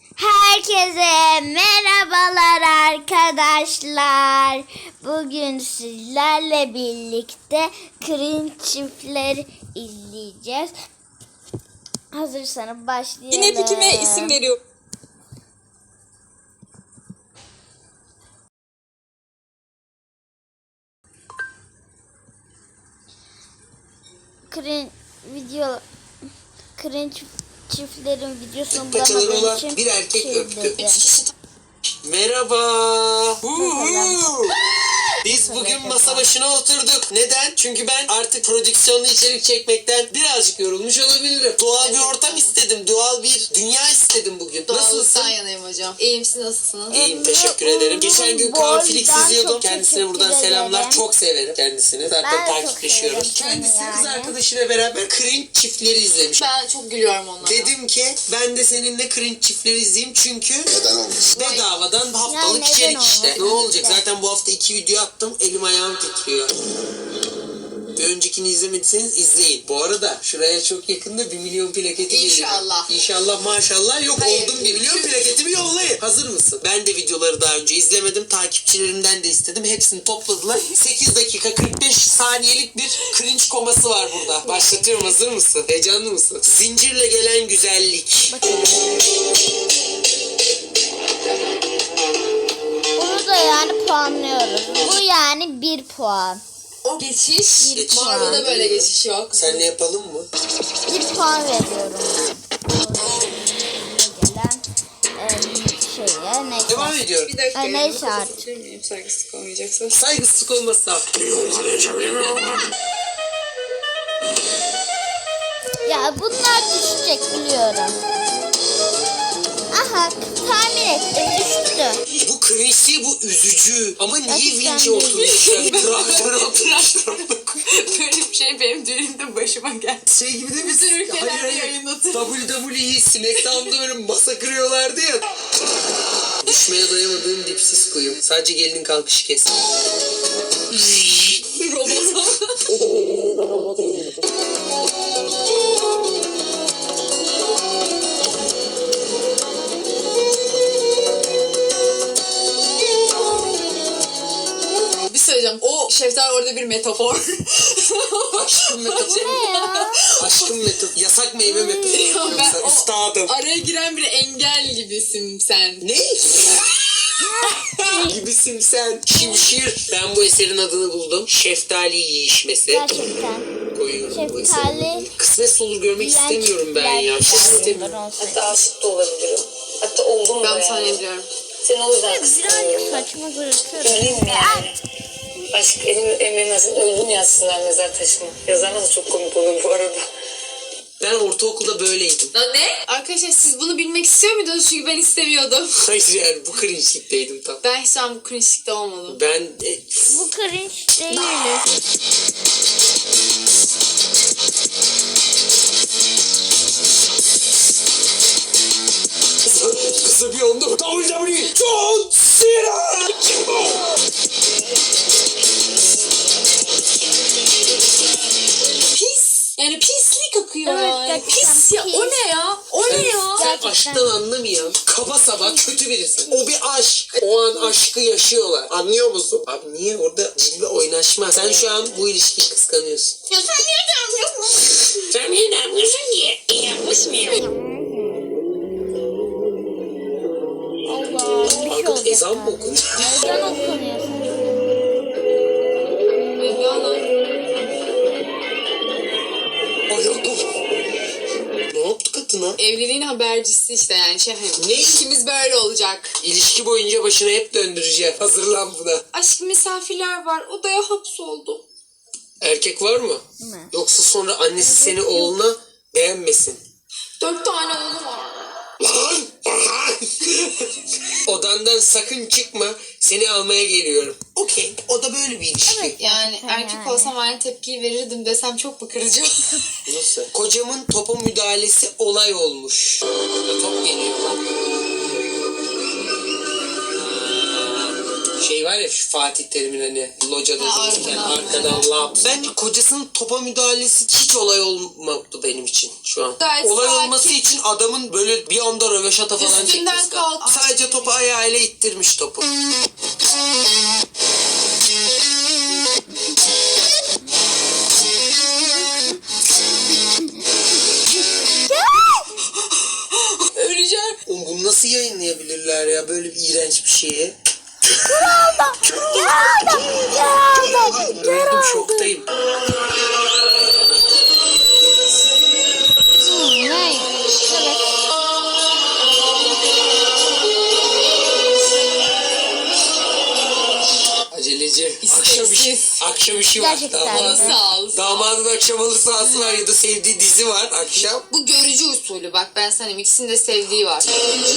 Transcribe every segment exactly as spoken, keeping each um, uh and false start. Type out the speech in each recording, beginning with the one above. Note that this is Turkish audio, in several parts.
Herkese merhabalar arkadaşlar. Bugün sizlerle birlikte Cringe çiftleri izleyeceğiz. Hazırsanız başlayalım. Yine pikime isim veriyor. Cringe video Cringe çiftlerin videosunu Paçaları bulamadığım olan için bir erkek şey öptü. dedi. Merhaba. Merhaba. Biz bugün Merhaba. masa başına oturduk. Neden? Çünkü ben artık prodüksiyonlu içerik çekmekten birazcık yorulmuş olabilirim. Doğal bir ortam istedim. Doğal bir dünya istedim bugün. Nasılsın? Doğallıktan yanayım hocam. İyiyim, siz nasılsınız? İyiyim, teşekkür ederim. Geçen gün Kaan Boydan Felix çok izliyordum. Kendisine buradan teşekkür selamlar. ederim. Çok severim kendisini. Zaten Ben de çok takipleşiyoruz. severim Kendisi seni kız yani. arkadaşıyla beraber cringe çiftleri izlemiş. Ben çok gülüyorum onlara. Dedim ki ben de seninle cringe çiftleri izleyeyim çünkü Neden olmasın? bedavadan haftalık neden içerik işte. olmasın? Ne olacak? Zaten bu hafta iki video attım. Elim ayağım titriyor. Bir öncekini izlemediyseniz izleyin. Bu arada şuraya çok yakında bir milyon plaketi geliyor. İnşallah. İnşallah maşallah yok Hayır. oldum bir milyon plaketimi yollayın. Hazır mısın? Ben de videoları daha önce izlemedim. Takipçilerimden de istedim. Hepsini topladılar. sekiz dakika kırk beş saniyelik bir cringe koması var burada. Başlatıyorum, hazır mısın? Heyecanlı mısın? Zincirle gelen güzellik. Bunu da yani puanlıyoruz. Bu yani bir puan. O geçiş, Geçiş. Marvel'da böyle geçiş yok. Senle yapalım mı? Bir puan veriyorum. Gelen e, şeye neyse. Devam ediyorum. Bir dakika. Ay, ya, neyse nasıl artık. tutabilir miyim? Saygısızlık olmayacaksa. Saygısızlık olmazsa. Ya bunlar düşecek biliyorum. Aha tahmin ettim düştü. Bu cringe, bu üzücü. Ama niye Gerçekten vinci değil. oturmuşlar? Traktör oturmuşlar. Böyle bir şey benim düğünümde başıma geldi. Şey gibi değil mi? Bütün ülkelerde Hayır, hayır. yayınlatır. W W E Smackdown'da böyle masa kırıyorlardı ya. Düşmeye dayamadığım dipsiz kuyum. Sadece gelinin kalkışı kes. Robot. Bir söyleyeceğim. O şeftali orada bir metafor. Aşkım metaforu. Ne ya? Aşkım metaforu. Yasak meyve metaforu. Ben o- Üstadım. Araya giren bir engel gibisin sen. Ne? Gibisin sen. Şimşir. Ben bu eserin adını buldum. Şeftali yiyişmesi. Gerçekten. Koyuyorum bu eseri. Şeftali. Kısmet olur görmek Yiyen istemiyorum ben ya. çiftler Hiç istemiyorum. bunlar olsaydı. Hatta aşık da olabilirim. Hatta oldum da Ben yani. sahne ediyorum. Seni o yüzden Birazcık kıskanıyorum. saçma gözüküyor. Öleyim mi yani? Aşk elim emrilmesin, öldüm yazsınlar mezar taşıma. Yazarlar da çok komik olur bu arada. Ben ortaokulda böyleydim. Lan ne? Arkadaşlar siz bunu bilmek istiyor muydunuz? Çünkü ben istemiyordum. Hayır yani bu cringe'likteydim tam. Ben hiç an bu cringe'likte olmadım. Ben e, Bu cringe değil. kısa, kısa bir anda W W E John Cena. Pis. Yani pislik akıyor Evet, yani. gerçekten Pis ya. pis. O ne ya? O ne ya? Sen Gerçekten. aşktan anlamayan, kaba saba kötü birisi. O bir aşk. O an aşkı yaşıyorlar. Anlıyor musun? Abi niye orada cilve oynaşma? Sen şu an bu ilişkiyi kıskanıyorsun. Ya sen niye gelmiyorsun? Sen niye ne yapıyorsun ki? Allah bir şey Arkada olacak. ezan mı okunuyor? Ezan okunuyor. Ayakkabı. Ne yaptı kadına? Evliliğin habercisi işte yani şey hani. Ne? İlişkimiz böyle olacak. İlişki boyunca başına hep döndüreceğim. Hazırlan buna. Aşk misafirler var. Odaya hapsoldu. Erkek var mı? Mi? Yoksa sonra annesi seni oğluna beğenmesin. Dört tane oğlu var. Lan! Odandan sakın çıkma. Seni almaya geliyorum. Okey. O da böyle bir ilişki. Evet. Yani Gerçekten erkek yani. olsam aynı tepkiyi verirdim desem çok mu kırıcı? Nasıl? Kocamın topa müdahalesi olay olmuş. Ya top geliyor lan. Şey var ya şu Fatih Terim'in hani locada Ha, dururken arkadan. arkadan lap. Bence kocasının topa müdahalesi hiç olay olmadı benim için şu an. Gayet olay sakin. olması için adamın böyle bir anda röveşata falan Üstünden çekmesi lazım. kalk. Sadece topu ayağıyla ittirmiş topu. Öleceğim. Oğlum bunu nasıl yayınlayabilirler ya böyle bir iğrenç bir şeyi? Öldüm, şoktayım. Ne? Evet. Aceleci. Akşam işi, akşam işi var. Gerçekten. Damadın, Sağ ol. damadın akşam halı sahası var ya da sevdiği dizi var akşam. Bu görücü usulü bak ben sana ikisinin de sevdiği var.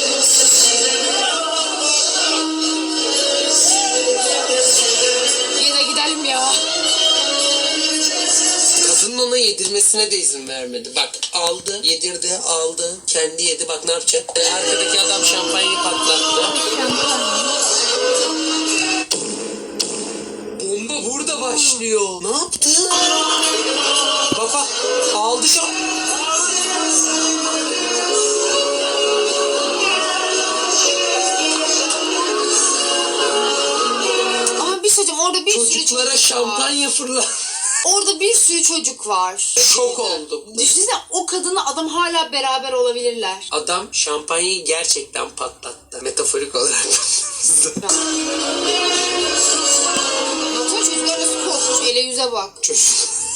Yine gidelim ya. Kadının ona yedirmesine de izin vermedi. Bak aldı, yedirdi, aldı, kendi yedi. Bak ne yapacak? Arkadaki adam şampanyayı patlattı. Bomba burada başlıyor. Ne yaptı? Baba aldı şam... Ama bir şey söyleyeceğim orada bir sürü Çocuklara çocuk var. şampanya fırla. Orada bir sürü çocuk var. Şok oldum. Düşünsene o kadınla adam hala beraber olabilirler. Adam şampanyayı gerçekten patlattı. Metaforik olarak. Baksana çocuklar nasıl korkmuş ele yüze bak. Çocuk.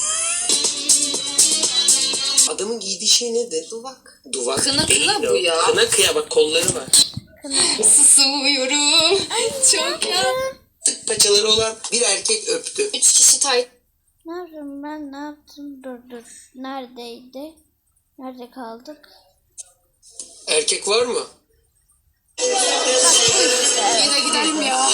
Adamın giydiği şey nedir? Duvak. Duvak. Kına değil kına o. bu ya. Kına kıya bak kolları var. Susuyorum. Çok ya. Tık paçaları olan bir erkek öptü. Üç kişi tay. Ne yaptım ben? Ne yaptım? Dur dur. Neredeydi? Nerede kaldık? Erkek var mı? Yine gidelim ya.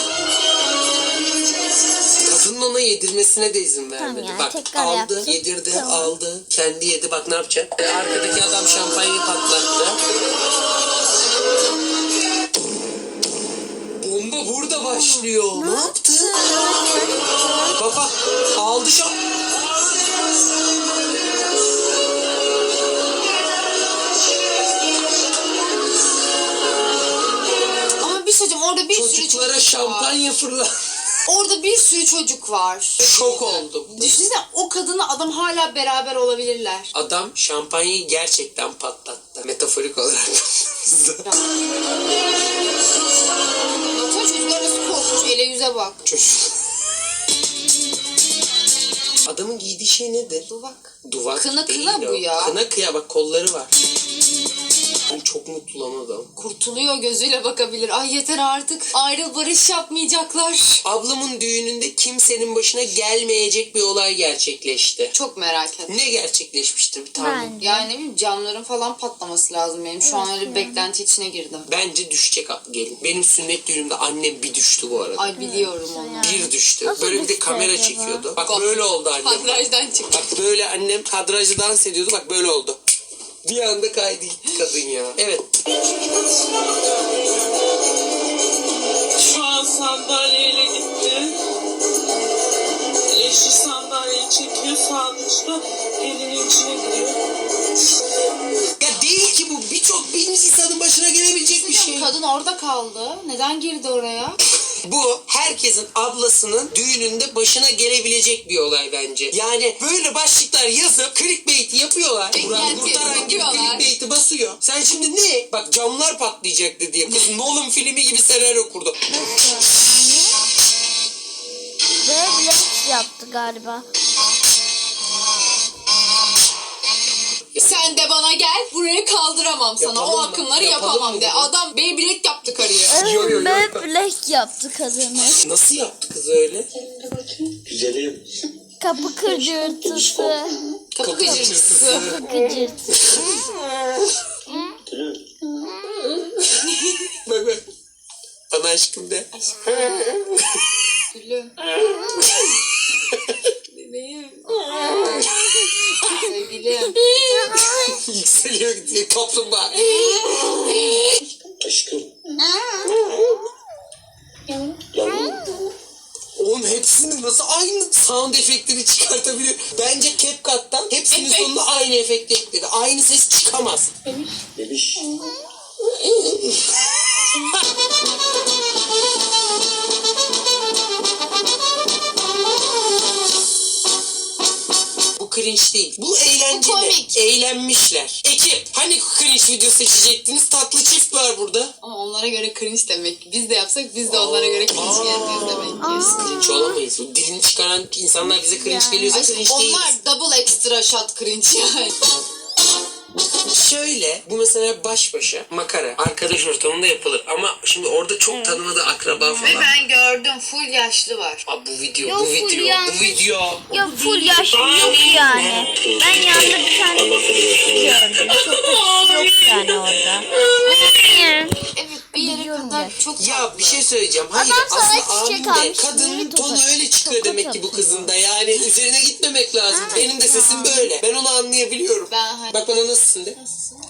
Kadının ona yedirmesine de izin vermedi. Tamam ya, Bak tekrar aldı, yaptım. yedirdi, Tamam. aldı, kendi yedi. Bak ne yapacak? Arkadaki adam şampanyayı patlattı. Bomba burada başlıyor. Ne, yaptı? Baba aldı şam... Ama bir şey söyleyeceğim orada bir sürü Çocuklara çocuk var. şampanya fırla. Orada bir sürü çocuk var. Şok oldum. Düşünsene o kadınla adam hala beraber olabilirler. Adam şampanyayı gerçekten patlattı. Metaforik olarak. Baksana çocuklar nasıl korkmuş ele yüze bak. Çocuk. Adamın giydiği şey nedir? Duvak. Duvak Kına değil kına o. bu ya. Kına kıya bak kolları var. Ben çok mutlu lan adam. Kurtuluyor gözüyle bakabilir. Ay yeter artık. Ayrıl barış yapmayacaklar. Ablamın düğününde kimsenin başına gelmeyecek bir olay gerçekleşti. Çok merak ettim. Ne gerçekleşmiştir bir tahmin? Ben. Yani ne bileyim camların falan patlaması lazım benim. Şu an öyle bir beklenti içine girdim. Bence düşecek gelin. Benim sünnet düğünümde annem bir düştü bu arada. Ay biliyorum onu. Bir düştü. Nasıl Böyle bir de düştü kamera acaba? çekiyordu. Bak böyle oldu annem. Kadrajdan çıktı. Bak böyle annem kadrajı dans ediyordu. Bak böyle oldu. Bir anda kaydı gitti kadın ya. Evet. Şu an sandalyeyle gitti. Eşi sandalyeyi çekiyor sağ dışta elinin içine giriyor. Ya değil ki bu. Birçok bilmiş insanın başına gelebilecek bir şey. Kadın orada kaldı. Neden girdi oraya? Bu herkesin ablasının düğününde başına gelebilecek bir olay bence. Yani böyle başlıklar yazıp clickbait yapıyorlar. Burak Beklenti Kurtaran gibi yapıyorlar. clickbait'i basıyor. Sen şimdi ne? Bak camlar patlayacaktı diye. Kız Nolan filmi gibi senaryo kurdu. Böyle blok yaptı galiba. Sen de bana gel. Burayı kaldıramam sana. Yapalım o mı? akımları Yapalım yapamam mı de. bunu? Adam Beyblade yaptı karıya. Evet, Yo, yo, yo. böyle blok yaptı kadını. Nasıl yaptı kız öyle? Güzelim. Kapı kırcırtısı. Kapı Kapı gıcırtısı. Kıcırtısı. Bak bak. Bana aşkım de. Gülüm. Bebeğim. Sevgilim. Yükseliyor gidiyor kaplumbağa. Aşkım. Yavrum. konuşması aynı sound efektleri çıkartabiliyor. Bence CapCut'tan hepsinin Efekt. sonuna aynı efekti ekledi. Aynı ses çıkamaz. Bebiş. Bu cringe değil. Bu eğlenceli. Bu komik. Eğlenmişler. Ekip hani cringe video seçecektiniz? Tatlı çift var burada. Ama onlara göre cringe demek ki. Biz de yapsak biz de onlara göre cringe geleceğiz demek ki. Biz cringe olamayız. O dilini çıkaran insanlar bize cringe geliyorsa cringe değiliz. Onlar double extra shot cringe yani. Şöyle, bu mesela baş başa makara arkadaş ortamında yapılır ama şimdi orada çok tanımadığı akraba falan. Ben gördüm full yaşlı var. Aa, bu video, Yok, bu full video, yani. bu video. Ya full yaşlı yok yani. Ben yanında bir tane gördüm. Çok da yok yani orada. Evet bir yere Biliyorum kadar gerçi. çok Ya tatlı. bir şey söyleyeceğim. Hayır Adam sana aslında çiçek abim de almış, kadının yeni tonu tokat- öyle çıkıyor tokat demek ki bu atıyor. kızında. Yani üzerine gitmemek lazım. Ha, Benim de ya. sesim böyle. Ben onu anlayabiliyorum. Ben hani- Bak bana nasılsın de.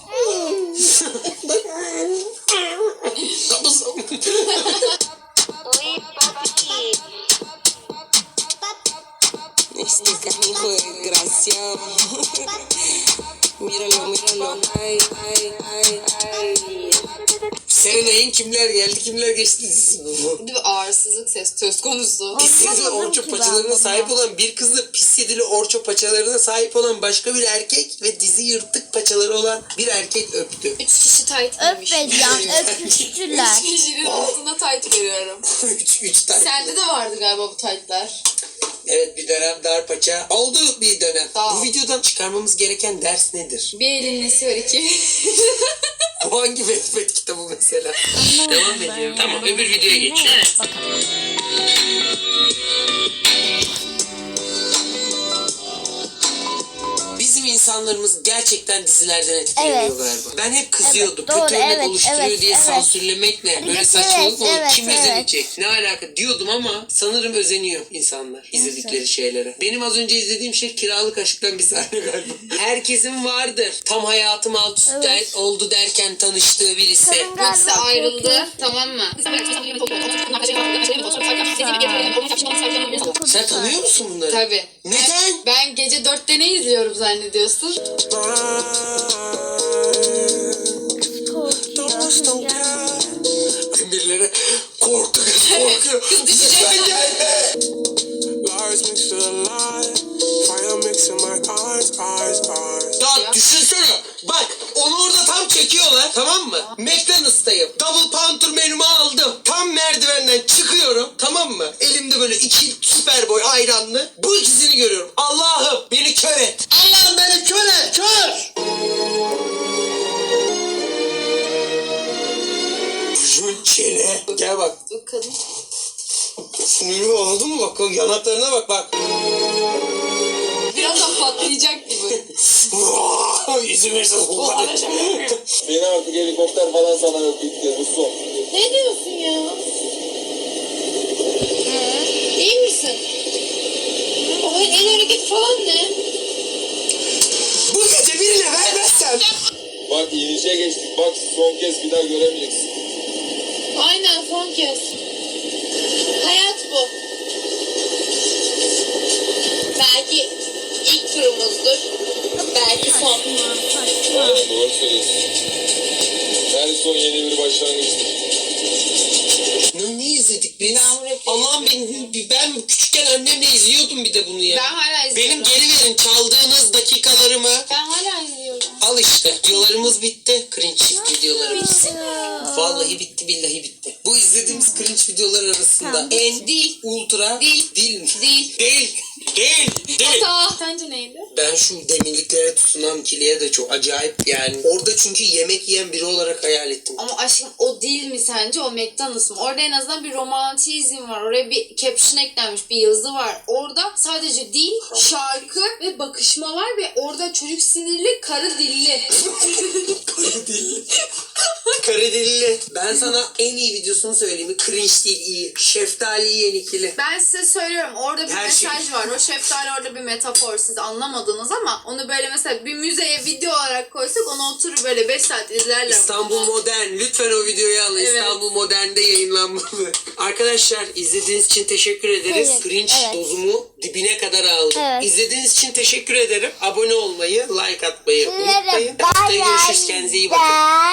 Bak. Kapısın. Este canijo desgraciado. Míralo, míralo. Ay, ay, ay, ay. Serenay'ın kimler geldi kimler geçti dizisi bu. Bir de bir ağırsızlık ses söz konusu. Pis yedili Anlamadım orço ki ben paçalarına bunu. sahip olan bir kızla pis yedili orço paçalarına sahip olan başka bir erkek ve dizi yırtık paçaları olan bir erkek öptü. Üç kişi tight giymiş. Öpmeyeceğim, öpüştüler. Üç kişinin altına tight görüyorum. üç, üç tane. Sende de vardı galiba bu tightlar. Evet bir dönem dar paça oldu bir dönem. Tamam. Bu videodan çıkarmamız gereken ders nedir? Bir elin nesi var iki. Bu hangi Wattpad kitabı mesela? Devam ediyorum. Tamam öbür videoya Evet. geçiyoruz. Bakalım. Bizim insanlarımız gerçekten dizilerden etkileniyor Evet. galiba. Ben hep kızıyordum. Evet, doğru, Kötü örnek evet, oluşturuyor evet, diye evet. sansürlemek ne? Böyle Evet, saçmalık mı olur? evet, Kim evet. özenecek? Ne alaka diyordum ama sanırım özeniyor insanlar izledikleri şeylere. Benim az önce izlediğim şey Kiralık Aşk'tan bir sahne galiba. Herkesin vardır. Tam hayatım alt üst Evet. der- oldu derken tanıştığı birisi. Kadın galiba İkisi ayrıldı korkuyor. tamam mı? Sen tanıyor musun bunları? Tabii. Neden? Ben gece dörtte ne izliyorum zannediyorsun? Korkuyor. Birileri korktu kız korkuyor. Kız düşecek. Lütfen gelme. Lies mixed with a lie. Fire mixing my eyes, eyes, eyes. Ya düşünsene. Bak onu orada tam çekiyorlar tamam mı? McDonald's'tayım. Double Pounder menümü aldım. Tam merdivenden çıkıyorum tamam mı? Elimde böyle iki süper boy ayranlı. Bu ikisini görüyorum. Allah'ım beni kör et. Allah'ım beni kör et. Kör. Çocuğun çene. Gel bak. Bakalım. Sinirimi anladın mı? Bak o yanaklarına bak bak. Birazdan patlayacak gibi. İzin verirsen Beni artık helikopter falan sana yok bitti. Bu son. Ne diyorsun ya? İyi misin? O el hareketi falan ne? Bu gece birine vermezsem. Bak inişe geçtik. Bak son kez bir daha göremeyeceksin. Aynen son kez. Hayat bu. Belki ilk turumuzdur. Belki son. Aynen doğru söylüyorsun. Her son yeni bir başlangıçtır. Ne, ne izledik biz? Ben rap Allah'ım ben, ben küçükken annemle izliyordum bir de bunu ya. Ben hala izliyorum. Benim geri verin çaldığınız dakikalarımı. Ben hala izliyorum. Al işte videolarımız bitti. Cringe çift videolarımız. Vallahi bitti billahi bitti. Bu izlediğimiz cringe videolar arasında en Değil. ultra Değil. değil mi? Değil. Değil. Değil. Değil. Hata. Sence neydi? Ben şu demirliklere tutunan kiliye de çok acayip yani. Orada çünkü yemek yiyen biri olarak hayal ettim. Ama aşkım o değil mi sence? O McDonald's mı? Orada en azından bir romantizm var. Oraya bir caption eklenmiş. Bir yazı var. Orada sadece dil, şarkı ve bakışma var ve orada çocuk sinirli, karı dilli. Karı dilli. Karı bedelli. Ben sana en iyi videosunu söyleyeyim mi? Cringe değil, iyi. Şeftali yiyen ikili. Ben size söylüyorum orada bir Her şey- mesaj var. O şeftali orada bir metafor, siz anlamadınız ama onu böyle mesela bir müzeye video olarak koysak onu oturur böyle beş saat izlerler. İstanbul Modern. Lütfen o videoyu alın. Evet. İstanbul Modern'de yayınlanmalı. Arkadaşlar izlediğiniz için teşekkür ederiz. Evet, Cringe evet. dozumu dibine kadar aldım. Evet. İzlediğiniz için teşekkür ederim. Abone olmayı, like atmayı Sizlere unutmayın. bay Haftaya görüşürüz. bay Kendinize iyi bakın. de.